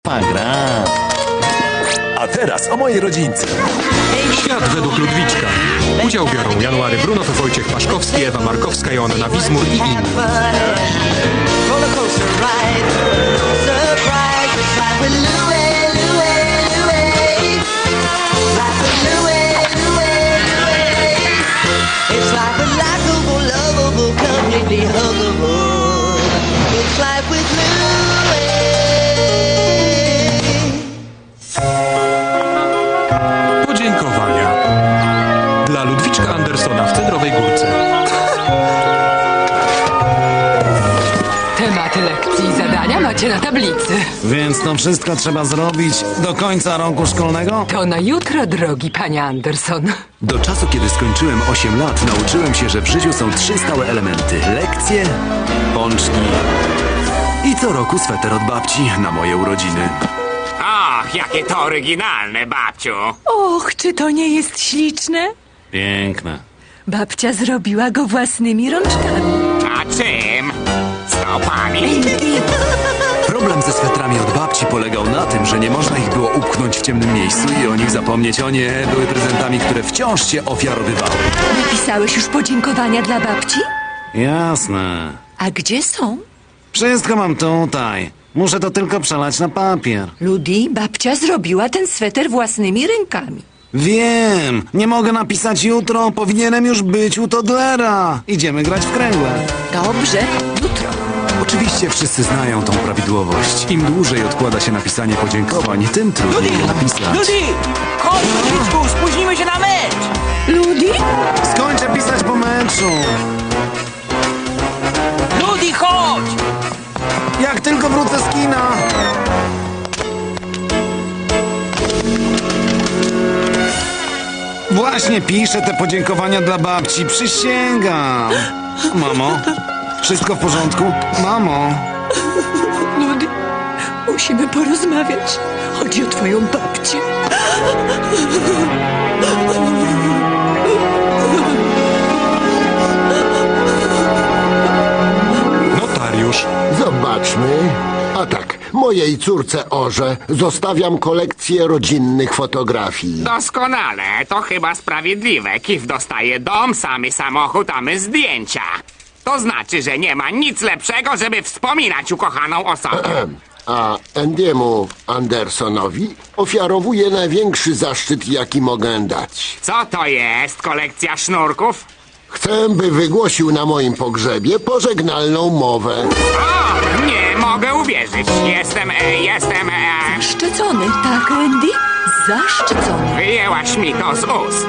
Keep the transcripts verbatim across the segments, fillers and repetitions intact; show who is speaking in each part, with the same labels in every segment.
Speaker 1: gra. A teraz o mojej rodzince.
Speaker 2: Świat według Ludwiczka. Udział biorą January Brunow, Wojciech Paszkowski, Ewa Markowska, Joanna Wizmur i inni. Podziękowania dla Ludwiczka Andersona w Cedrowej Górce.
Speaker 3: Tematy lekcji i zadania macie na tablicy.
Speaker 4: Więc to wszystko trzeba zrobić do końca roku szkolnego?
Speaker 3: To na jutro, drogi panie Anderson.
Speaker 5: Do czasu, kiedy skończyłem osiem lat, nauczyłem się, że w życiu są trzy stałe elementy. Lekcje, pączki i co roku sweter od babci na moje urodziny.
Speaker 6: Och, jakie to oryginalne, babciu.
Speaker 7: Och, czy to nie jest śliczne?
Speaker 4: Piękne.
Speaker 7: Babcia zrobiła go własnymi rączkami.
Speaker 6: A czym? Stopami?
Speaker 5: Problem ze swetrami od babci polegał na tym, że nie można ich było upchnąć w ciemnym miejscu i o nich zapomnieć. O nie, były prezentami, które wciąż cię ofiarowywały.
Speaker 7: Napisałeś już podziękowania dla babci?
Speaker 4: Jasne.
Speaker 7: A gdzie są?
Speaker 4: Wszystko mam tutaj. Muszę to tylko przelać na papier.
Speaker 7: Ludi, babcia zrobiła ten sweter własnymi rękami.
Speaker 4: Wiem. Nie mogę napisać jutro. Powinienem już być u Toddlera. Idziemy grać w kręgle.
Speaker 7: Dobrze, jutro.
Speaker 5: Oczywiście wszyscy znają tą prawidłowość. Im dłużej odkłada się napisanie podziękowań, tym trudniej je napisać.
Speaker 8: Ludi! Chodź, Ludwiczku, spóźnimy się na mecz!
Speaker 7: Ludi?
Speaker 4: Skończę pisać po meczu.
Speaker 8: Ludi, chodź!
Speaker 4: Jak tylko wrócę z kina. Właśnie piszę te podziękowania dla babci. Przysięgam. Mamo, wszystko w porządku? Mamo.
Speaker 7: Ludi, musimy porozmawiać. Chodzi o twoją babcię.
Speaker 2: Notariusz.
Speaker 9: Zobaczmy. A tak, mojej córce Orze zostawiam kolekcję rodzinnych fotografii.
Speaker 6: Doskonale, to chyba sprawiedliwe. Kif dostaje dom, samy samochód, a my zdjęcia. To znaczy, że nie ma nic lepszego, żeby wspominać ukochaną osobę.
Speaker 9: A Andiemu Andersonowi ofiarowuję największy zaszczyt, jaki mogę dać.
Speaker 6: Co to jest? Kolekcja sznurków?
Speaker 9: Chcę, by wygłosił na moim pogrzebie pożegnalną mowę.
Speaker 6: O, nie mogę uwierzyć. Jestem, e, jestem, e,
Speaker 7: Zaszczycony, tak, Andy? Zaszczycony.
Speaker 6: wyjęłaś mi to z ust.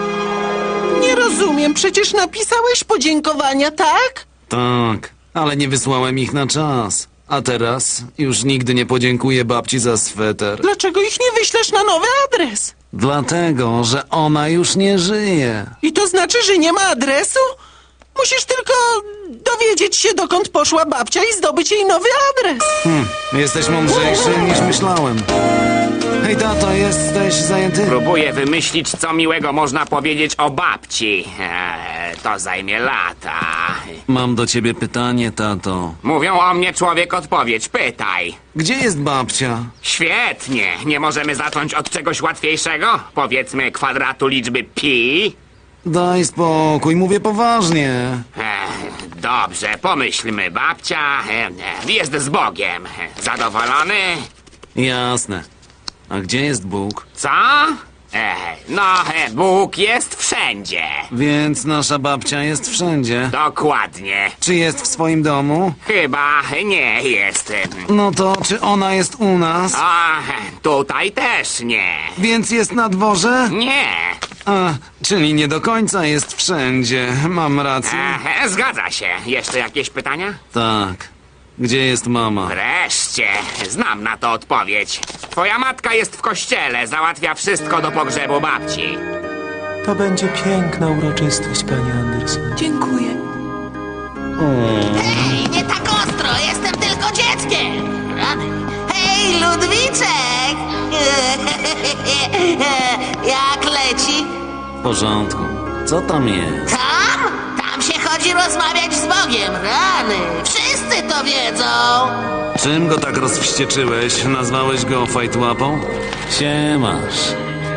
Speaker 8: Nie rozumiem, przecież napisałeś podziękowania, tak?
Speaker 4: Tak, ale nie wysłałem ich na czas. A teraz już nigdy nie podziękuję babci za sweter.
Speaker 8: Dlaczego ich nie wyślesz na nowy adres?
Speaker 4: Dlatego, że ona już nie żyje.
Speaker 8: I to znaczy, że nie ma adresu? Musisz tylko dowiedzieć się, dokąd poszła babcia i zdobyć jej nowy adres.
Speaker 4: Hm, jesteś mądrzejszy niż myślałem. Hej, tato, jesteś zajęty?
Speaker 6: Próbuję wymyślić, co miłego można powiedzieć o babci. Eee, to zajmie lata.
Speaker 4: Mam do ciebie pytanie, tato.
Speaker 6: Mówią o mnie człowiek odpowiedź. Pytaj.
Speaker 4: Gdzie jest babcia?
Speaker 6: Świetnie. Nie możemy zacząć od czegoś łatwiejszego? Powiedzmy kwadratu liczby pi?
Speaker 4: Daj spokój, mówię poważnie.
Speaker 6: Eee, dobrze, pomyślmy. Babcia e, jest z Bogiem. Zadowolony?
Speaker 4: Jasne. A gdzie jest Bóg?
Speaker 6: Co? E, no, e, Bóg jest wszędzie.
Speaker 4: Więc nasza babcia jest wszędzie.
Speaker 6: Dokładnie.
Speaker 4: Czy jest w swoim domu?
Speaker 6: Chyba nie jest.
Speaker 4: No to czy ona jest u nas?
Speaker 6: A, tutaj też nie.
Speaker 4: Więc jest na dworze?
Speaker 6: Nie.
Speaker 4: A, czyli nie do końca jest wszędzie. Mam rację.
Speaker 6: E, zgadza się. Jeszcze jakieś pytania?
Speaker 4: Tak. Gdzie jest mama?
Speaker 6: Wreszcie. Znam na to odpowiedź. Twoja matka jest w kościele. Załatwia wszystko do pogrzebu babci.
Speaker 8: To będzie piękna uroczystość, panie Anderson.
Speaker 7: Dziękuję.
Speaker 10: Hej, nie tak ostro, jestem tylko dzieckiem. Rany. Hej, Ludwiczek! Jak leci?
Speaker 4: W porządku. Co tam jest?
Speaker 10: Tam? Tam się chodzi chodzi rozmawiać z Bogiem, rany. Wszyscy to wiedzą.
Speaker 5: Czym go tak rozwścieczyłeś? Nazwałeś go fajtłapą? Siemasz.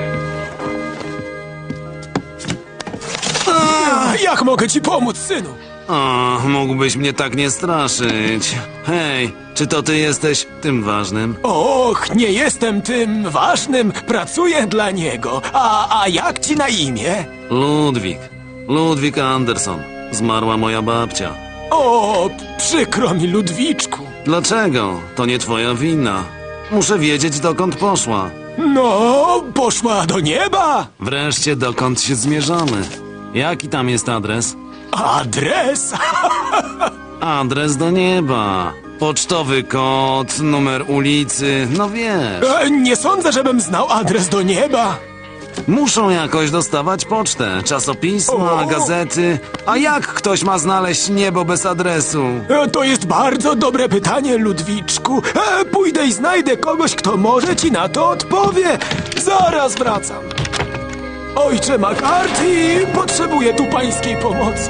Speaker 11: Jak mogę ci pomóc, synu?
Speaker 5: O, mógłbyś mnie tak nie straszyć. Hej, czy to ty jesteś tym ważnym?
Speaker 11: Och, nie jestem tym ważnym, pracuję dla niego. A, a jak ci na imię?
Speaker 5: Ludwik. Ludwik Anderson. Zmarła moja babcia.
Speaker 11: O, przykro mi, Ludwiczku.
Speaker 5: Dlaczego? To nie twoja wina. Muszę wiedzieć, dokąd poszła.
Speaker 11: No, poszła do nieba.
Speaker 5: Wreszcie, dokąd się zmierzamy? Jaki tam jest adres?
Speaker 11: Adres?
Speaker 5: Adres do nieba. Pocztowy kod, numer ulicy, no wiesz.
Speaker 11: E, nie sądzę, żebym znał adres do nieba.
Speaker 5: Muszą jakoś dostawać pocztę, czasopisma,
Speaker 11: O!
Speaker 5: gazety. A jak ktoś ma znaleźć niebo bez adresu?
Speaker 11: E, to jest bardzo dobre pytanie, Ludwiczku. E, pójdę i znajdę kogoś, kto może ci na to odpowie. Zaraz wracam. Ojcze McCarthy, potrzebuję tu pańskiej pomocy.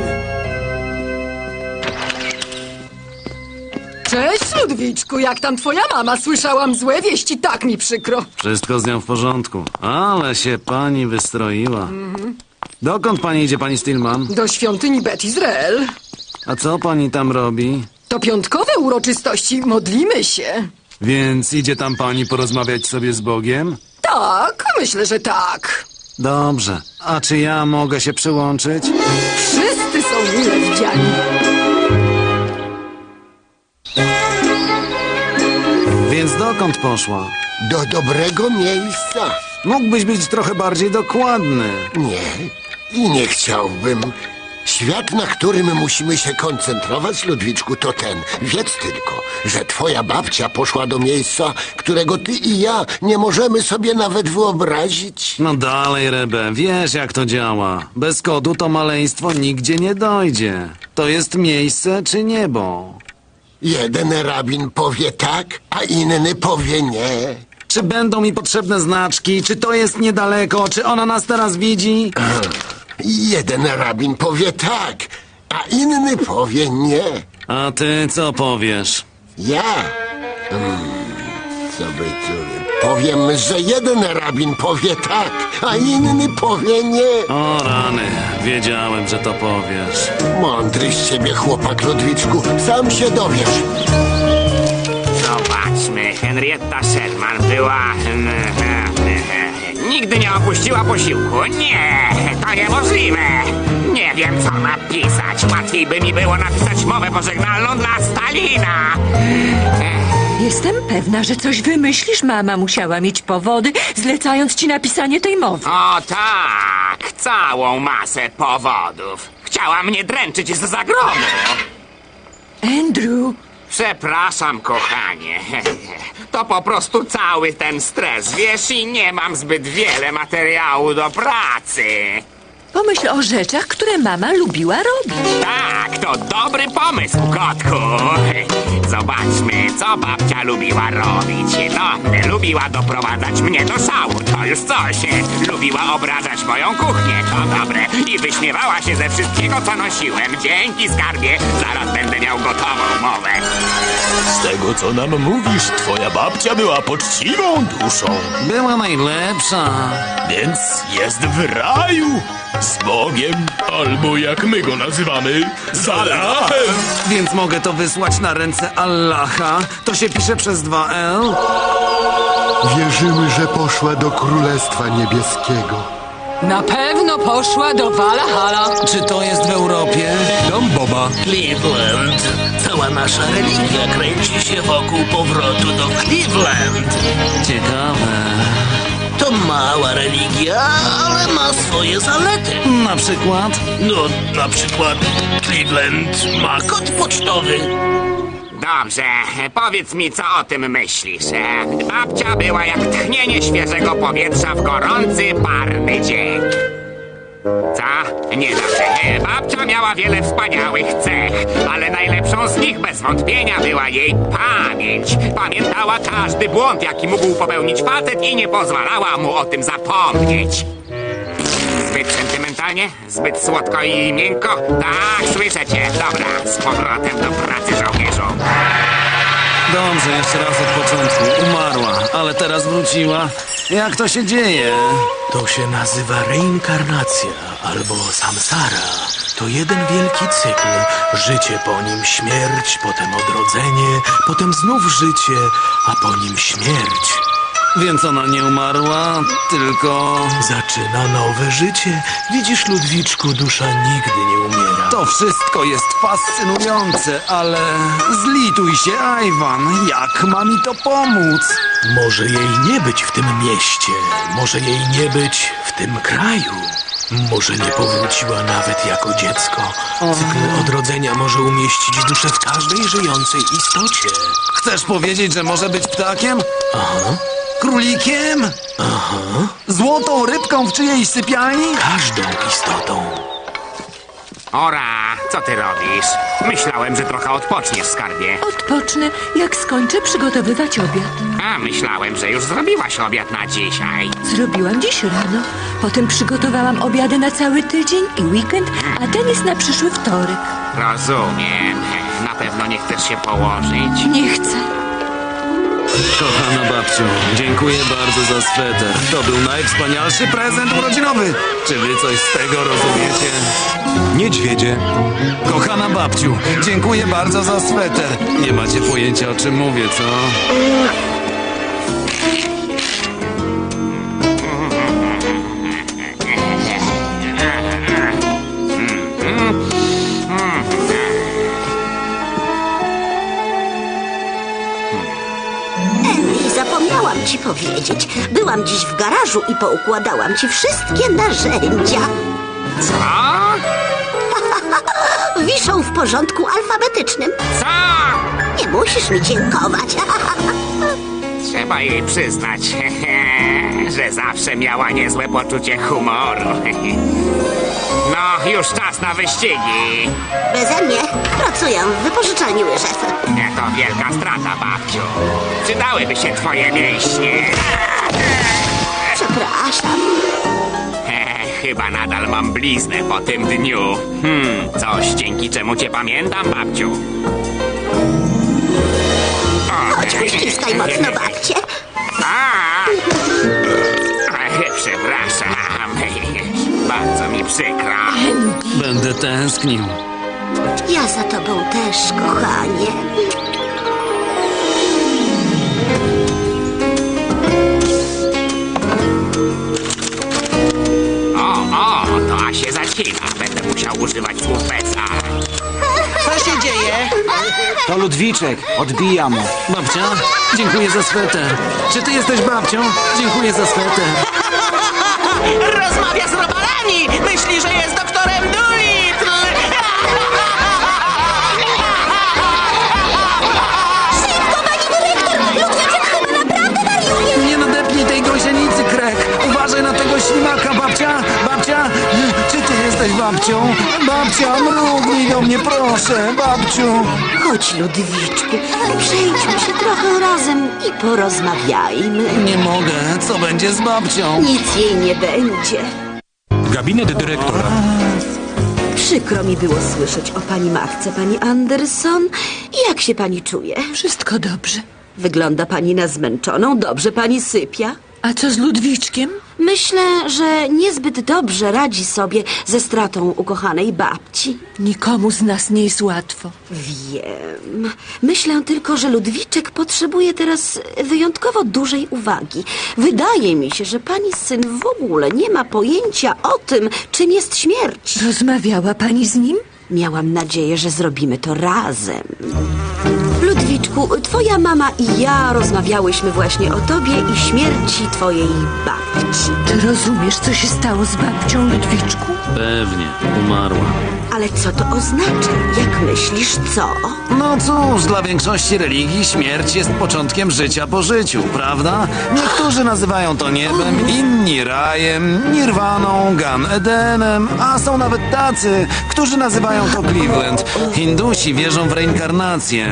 Speaker 3: Cześć, Ludwiczku, jak tam twoja mama? Słyszałam złe wieści, tak mi przykro.
Speaker 5: Wszystko z nią w porządku. Ale się pani wystroiła. Dokąd pani idzie, pani Stillman?
Speaker 3: Do świątyni Bet Izrael.
Speaker 5: A co pani tam robi?
Speaker 3: To piątkowe uroczystości, modlimy się.
Speaker 5: Więc idzie tam pani porozmawiać sobie z Bogiem?
Speaker 3: Tak, myślę, że tak.
Speaker 5: Dobrze. A czy ja mogę się przyłączyć?
Speaker 3: Wszyscy są mile widziani.
Speaker 5: Więc dokąd poszła?
Speaker 9: Do dobrego miejsca.
Speaker 5: Mógłbyś być trochę bardziej dokładny.
Speaker 9: Nie, i nie chciałbym. Świat, na którym musimy się koncentrować, Ludwiczku, to ten. Wiedz tylko, że twoja babcia poszła do miejsca, którego ty i ja nie możemy sobie nawet wyobrazić.
Speaker 5: No dalej, Rebe, wiesz jak to działa. Bez kodu to maleństwo nigdzie nie dojdzie. To jest miejsce czy niebo?
Speaker 9: Jeden rabin powie tak, a inny powie nie.
Speaker 5: Czy będą mi potrzebne znaczki? Czy to jest niedaleko? Czy ona nas teraz widzi?
Speaker 9: Jeden rabin powie tak, a inny powie nie.
Speaker 5: A ty co powiesz?
Speaker 9: Ja? Hmm, co by tu... Powiem, że jeden rabin powie tak, a inny powie nie.
Speaker 5: O rany, wiedziałem, że to powiesz.
Speaker 9: Mądry z ciebie chłopak, Ludwiczku, sam się dowiesz.
Speaker 6: Zobaczmy, Henrietta Sherman była... Nigdy nie opuściła posiłku. Nie, to niemożliwe. Nie wiem, co napisać. Łatwiej by mi było napisać mowę pożegnalną dla Stalina.
Speaker 7: Jestem pewna, że coś wymyślisz. Mama musiała mieć powody, zlecając ci napisanie tej mowy.
Speaker 6: O tak, całą masę powodów. Chciała mnie dręczyć z zagrodu.
Speaker 7: Andrew,
Speaker 6: Przepraszam, kochanie. To po prostu cały ten stres, wiesz, i nie mam zbyt wiele materiału do pracy.
Speaker 7: pomyśl o rzeczach, które mama lubiła robić.
Speaker 6: Tak, to dobry pomysł, kotku. Zobaczmy, co babcia lubiła robić. No, lubiła doprowadzać mnie do szału, to już coś. Lubiła obrażać moją kuchnię, to dobre. I wyśmiewała się ze wszystkiego, co nosiłem. Dzięki, skarbie, zaraz będę miał gotową mowę.
Speaker 1: Z tego, co nam mówisz, twoja babcia była poczciwą duszą.
Speaker 5: Była najlepsza.
Speaker 1: Więc jest w raju. Z Bogiem, albo jak my go nazywamy, z Allahem.
Speaker 5: Więc mogę to wysłać na ręce Allaha. To się pisze przez dwa L.
Speaker 9: Wierzymy, że poszła do Królestwa Niebieskiego.
Speaker 3: Na pewno poszła do Valhalla.
Speaker 5: Czy to jest w Europie?
Speaker 2: Dom Boba.
Speaker 12: Cleveland. Cała nasza religia kręci się wokół powrotu do Cleveland.
Speaker 5: Ciekawe.
Speaker 12: To mała religia, ale ma swoje zalety.
Speaker 5: Na przykład?
Speaker 12: No, na przykład Cleveland ma kod pocztowy.
Speaker 6: Dobrze, powiedz mi, co o tym myślisz. Babcia była jak tchnienie świeżego powietrza w gorący, parny dzień. Co? Niedobrze. Babcia miała wiele wspaniałych cech, ale najlepszą z nich bez wątpienia była jej pamięć. Pamiętała każdy błąd, jaki mógł popełnić facet i nie pozwalała mu o tym zapomnieć. Zbyt sentymentalnie sentymentalnie? Zbyt słodko i miękko? Tak, słyszę cię. Dobra, z powrotem do pracy, żołnierzu.
Speaker 4: Dobrze, jeszcze raz od początku. Umarła, ale teraz wróciła. Jak to się dzieje?
Speaker 12: To się nazywa reinkarnacja albo samsara. To jeden wielki cykl. Życie, po nim śmierć, potem odrodzenie, potem znów życie, a po nim śmierć.
Speaker 4: Więc ona nie umarła, tylko...
Speaker 12: Zaczyna nowe życie. Widzisz, Ludwiczku, dusza nigdy nie umiera.
Speaker 4: To wszystko jest fascynujące, ale... Zlituj się, Iwan. Jak ma mi to pomóc?
Speaker 12: Może jej nie być w tym mieście. Może jej nie być w tym kraju. Może nie powróciła nawet jako dziecko. Cykl odrodzenia może umieścić duszę w każdej żyjącej istocie.
Speaker 4: Chcesz powiedzieć, że może być ptakiem?
Speaker 12: Aha.
Speaker 4: Królikiem?
Speaker 12: Aha.
Speaker 4: Złotą rybką w czyjejś sypialni?
Speaker 12: Każdą istotą.
Speaker 6: Ora, co ty robisz? Myślałem, że trochę odpoczniesz, skarbie.
Speaker 7: Odpocznę, jak skończę przygotowywać obiad.
Speaker 6: A, myślałem, że już zrobiłaś obiad na dzisiaj.
Speaker 7: Zrobiłam dziś rano. Potem przygotowałam obiady na cały tydzień i weekend, a ten jest na przyszły wtorek.
Speaker 6: Rozumiem. Na pewno nie chcesz się położyć.
Speaker 7: Nie chcę.
Speaker 4: Kochana babciu, dziękuję bardzo za sweter. To był najwspanialszy prezent urodzinowy. Czy wy coś z tego rozumiecie?
Speaker 2: Niedźwiedzie.
Speaker 4: Kochana babciu, dziękuję bardzo za sweter. Nie macie pojęcia, o czym mówię, co?
Speaker 13: Zapomniałam ci powiedzieć. Byłam dziś w garażu i poukładałam ci wszystkie narzędzia.
Speaker 6: Co?
Speaker 13: Wiszą w porządku alfabetycznym.
Speaker 6: Co?
Speaker 13: Nie musisz mi dziękować.
Speaker 6: Trzeba jej przyznać, że zawsze miała niezłe poczucie humoru. No, już czas na wyścigi.
Speaker 13: Beze mnie pracuję w wypożyczalni łyżew.
Speaker 6: To wielka strata, babciu. Przydałyby się twoje mięśnie.
Speaker 13: Przepraszam.
Speaker 6: Chyba nadal mam bliznę po tym dniu. Hmm, coś, dzięki czemu cię pamiętam, babciu.
Speaker 13: Chodź, uściskaj mocno babcię.
Speaker 6: A! Przepraszam. Bardzo mi przykro.
Speaker 4: Będę tęsknił.
Speaker 13: Ja za tobą też, kochanie.
Speaker 6: O, o, to się zacina. Będę musiał używać słów Beca.
Speaker 8: Co się dzieje?
Speaker 4: To Ludwiczek, odbijam mu. Babcia, dziękuję za sweter. Czy ty jesteś babcią? Dziękuję za sweter.
Speaker 8: Rozmawia z robalami! Myśli, że jest doktorem Dolittle!
Speaker 13: Szybko, pani dyrektor! Ludwiczek chyba naprawdę wariuje!
Speaker 4: Nie nadepnij tej gąsienicy, Krek. Uważaj na tego ślimaka, babcia. Babcia, czy ty jesteś babcią? Babcia, mrugnij do mnie, proszę, babciu.
Speaker 13: Chodź, Ludwiczku, przejdźmy się trochę razem i porozmawiajmy.
Speaker 4: Nie mogę, co będzie z babcią?
Speaker 13: Nic jej nie będzie.
Speaker 2: Gabinet dyrektora.
Speaker 13: Przykro mi było słyszeć o pani matce, pani Anderson. Jak się pani czuje?
Speaker 7: Wszystko dobrze.
Speaker 13: Wygląda pani na zmęczoną, dobrze pani sypia?
Speaker 7: A co z Ludwiczkiem?
Speaker 13: Myślę, że niezbyt dobrze radzi sobie ze stratą ukochanej babci.
Speaker 7: Nikomu z nas nie jest łatwo.
Speaker 13: Wiem. Myślę tylko, że Ludwiczek potrzebuje teraz wyjątkowo dużej uwagi. Wydaje mi się, że pani syn w ogóle nie ma pojęcia o tym, czym jest śmierć.
Speaker 7: Rozmawiała pani z nim?
Speaker 13: Miałam nadzieję, że zrobimy to razem. Ludwiczku, twoja mama i ja rozmawiałyśmy właśnie o tobie i śmierci twojej babci.
Speaker 7: Czy rozumiesz, co się stało z babcią, Ludwiczku?
Speaker 4: Pewnie, umarła.
Speaker 13: Ale co to oznacza? Jak myślisz, co?
Speaker 4: No cóż, dla większości religii śmierć jest początkiem życia po życiu, prawda? Niektórzy nazywają to niebem, inni rajem, nirwaną, Gan Edenem, a są nawet tacy, którzy nazywają to Cleveland. Hindusi wierzą w reinkarnację,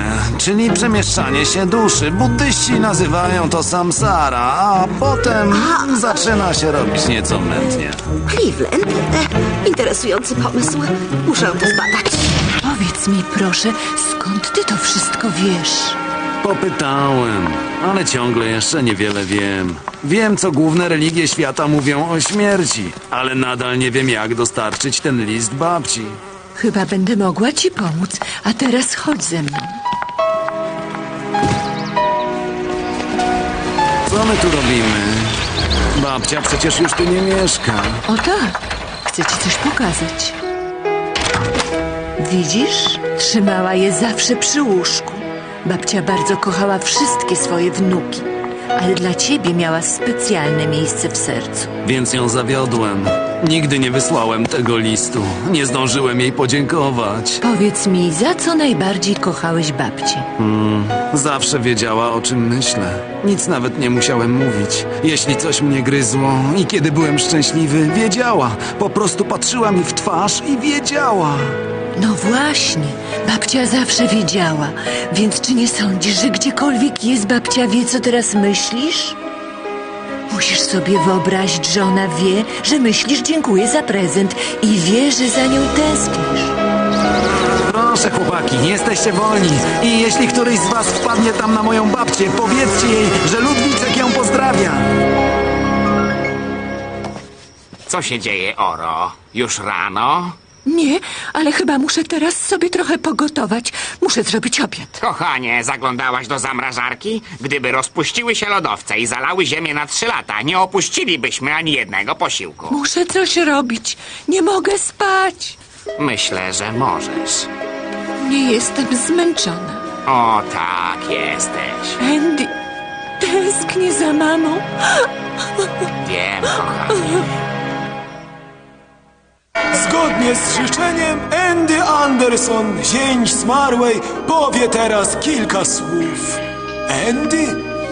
Speaker 4: czyli przemieszczanie się duszy. Buddyści nazywają to samsara, a potem zaczyna się robić nieco mętnie.
Speaker 13: Cleveland, e, interesujący pomysł. Muszę to zbadać.
Speaker 7: Powiedz mi proszę, skąd ty to wszystko wiesz?
Speaker 4: Popytałem, ale ciągle jeszcze niewiele wiem. Wiem, co główne religie świata mówią o śmierci, ale nadal nie wiem, jak dostarczyć ten list babci.
Speaker 7: Chyba będę mogła ci pomóc, a teraz chodź ze mną.
Speaker 4: Co my tu robimy? Babcia przecież już tu nie mieszka.
Speaker 7: O tak, chcę ci coś pokazać. Widzisz? Trzymała je zawsze przy łóżku. Babcia bardzo kochała wszystkie swoje wnuki, ale dla ciebie miała specjalne miejsce w sercu.
Speaker 4: Więc ją zawiodłem. Nigdy nie wysłałem tego listu. Nie zdążyłem jej podziękować.
Speaker 7: Powiedz mi, za co najbardziej kochałeś babcię?
Speaker 4: Hmm, zawsze wiedziała, o czym myślę. Nic nawet nie musiałem mówić. Jeśli coś mnie gryzło i kiedy byłem szczęśliwy, wiedziała. Po prostu patrzyła mi w twarz i wiedziała.
Speaker 7: No właśnie, babcia zawsze wiedziała. Więc czy nie sądzisz, że gdziekolwiek jest, babcia wie, co teraz myślisz? Musisz sobie wyobrazić, że ona wie, że myślisz dziękuję za prezent i wie, że za nią tęsknisz.
Speaker 4: Proszę, chłopaki, jesteście wolni. I jeśli któryś z was wpadnie tam na moją babcię, powiedzcie jej, że Ludwiczek ją pozdrawia.
Speaker 6: Co się dzieje, Oro? Już rano?
Speaker 7: Nie, ale chyba muszę teraz sobie trochę pogotować. Muszę zrobić obiad.
Speaker 6: Kochanie, zaglądałaś do zamrażarki? Gdyby rozpuściły się lodowce i zalały ziemię na trzy lata, nie opuścilibyśmy ani jednego posiłku.
Speaker 7: Muszę coś robić. Nie mogę spać.
Speaker 6: Myślę, że możesz.
Speaker 7: Nie jestem zmęczona.
Speaker 6: O tak, jesteś.
Speaker 7: Andy, tęsknię za mamą.
Speaker 6: Wiem, kochanie.
Speaker 11: Zgodnie z życzeniem Andy Anderson, zięć zmarłej, powie teraz kilka słów. Andy?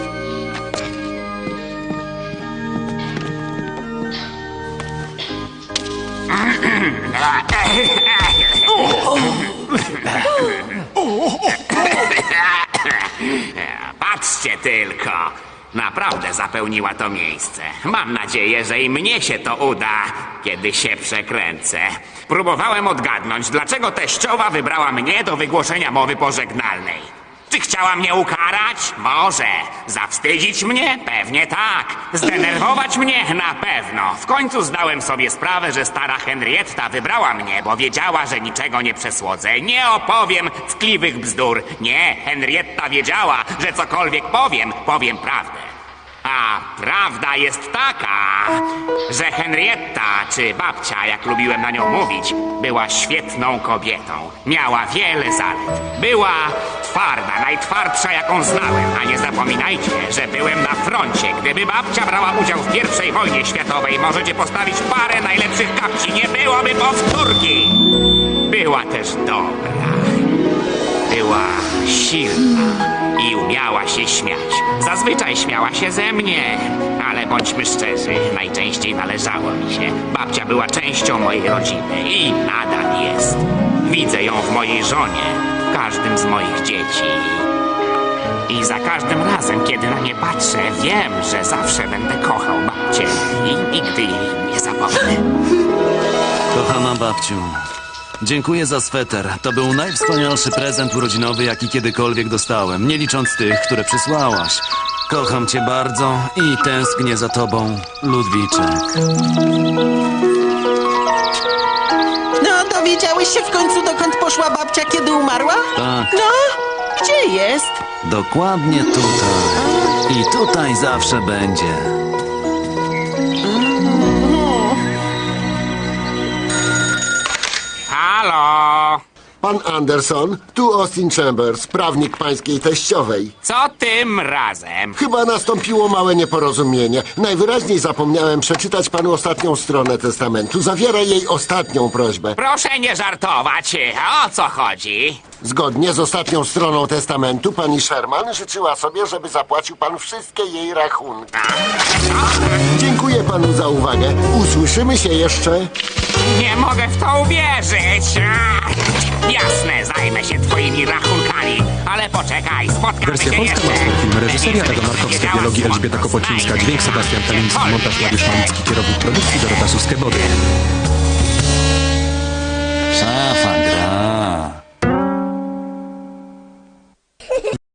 Speaker 6: Patrzcie tylko. Naprawdę zapełniła to miejsce. Mam nadzieję, że i mnie się to uda, kiedy się przekręcę. Próbowałem odgadnąć, dlaczego teściowa wybrała mnie do wygłoszenia mowy pożegnalnej. Czy chciała mnie ukarać? Może. Zawstydzić mnie? Pewnie tak. Zdenerwować mnie? Na pewno. W końcu zdałem sobie sprawę, że stara Henrietta wybrała mnie, bo wiedziała, że niczego nie przesłodzę. Nie opowiem tkliwych bzdur. Nie, Henrietta wiedziała, że cokolwiek powiem, powiem prawdę. A prawda jest taka, że Henrietta, czy babcia, jak lubiłem na nią mówić, była świetną kobietą. Miała wiele zalet. Była twarda, najtwardsza, jaką znałem. A nie zapominajcie, że byłem na froncie. Gdyby babcia brała udział w pierwszej wojnie światowej, możecie postawić parę najlepszych kapci. Nie byłoby powtórki. Była też dobra. Była silna i umiała się śmiać. Zazwyczaj śmiała się ze mnie, ale bądźmy szczerzy, najczęściej należało mi się. Babcia była częścią mojej rodziny i nadal jest. Widzę ją w mojej żonie, w każdym z moich dzieci. I za każdym razem, kiedy na nie patrzę, wiem, że zawsze będę kochał babcię i nigdy jej nie zapomnę.
Speaker 4: Kochana babciu, dziękuję za sweter. To był najwspanialszy prezent urodzinowy, jaki kiedykolwiek dostałem, nie licząc tych, które przysłałaś. Kocham cię bardzo i tęsknię za tobą, Ludwiczek.
Speaker 8: No, dowiedziałeś się w końcu, dokąd poszła babcia, kiedy umarła?
Speaker 4: Tak.
Speaker 8: No, gdzie jest?
Speaker 4: Dokładnie tutaj. I tutaj zawsze będzie.
Speaker 6: Halo?
Speaker 9: Pan Anderson, tu Austin Chambers, prawnik pańskiej teściowej.
Speaker 6: Co tym razem?
Speaker 9: Chyba nastąpiło małe nieporozumienie. Najwyraźniej zapomniałem przeczytać panu ostatnią stronę testamentu. Zawiera jej ostatnią prośbę.
Speaker 6: Proszę nie żartować. O co chodzi?
Speaker 9: Zgodnie z ostatnią stroną testamentu pani Sherman życzyła sobie, żeby zapłacił pan wszystkie jej rachunki. Dziękuję panu za uwagę. Usłyszymy się jeszcze.
Speaker 6: Nie mogę w to uwierzyć! Ach, jasne, zajmę się twoimi rachunkami, ale poczekaj, spotkamy
Speaker 2: Wersja
Speaker 6: się
Speaker 2: polska
Speaker 6: jeszcze.
Speaker 2: Master Film, reżyseria
Speaker 6: Będziesz
Speaker 2: Ewa Markowska,
Speaker 6: wiedziała,
Speaker 2: dialogi
Speaker 6: skąd
Speaker 2: Elżbieta
Speaker 6: to
Speaker 2: Kopocińska,
Speaker 6: znajdę.
Speaker 2: dźwięk Sebastian Taliński, montaż Mariusz Malicki, kierownik produkcji Dorota Suskebody.
Speaker 4: Szafa,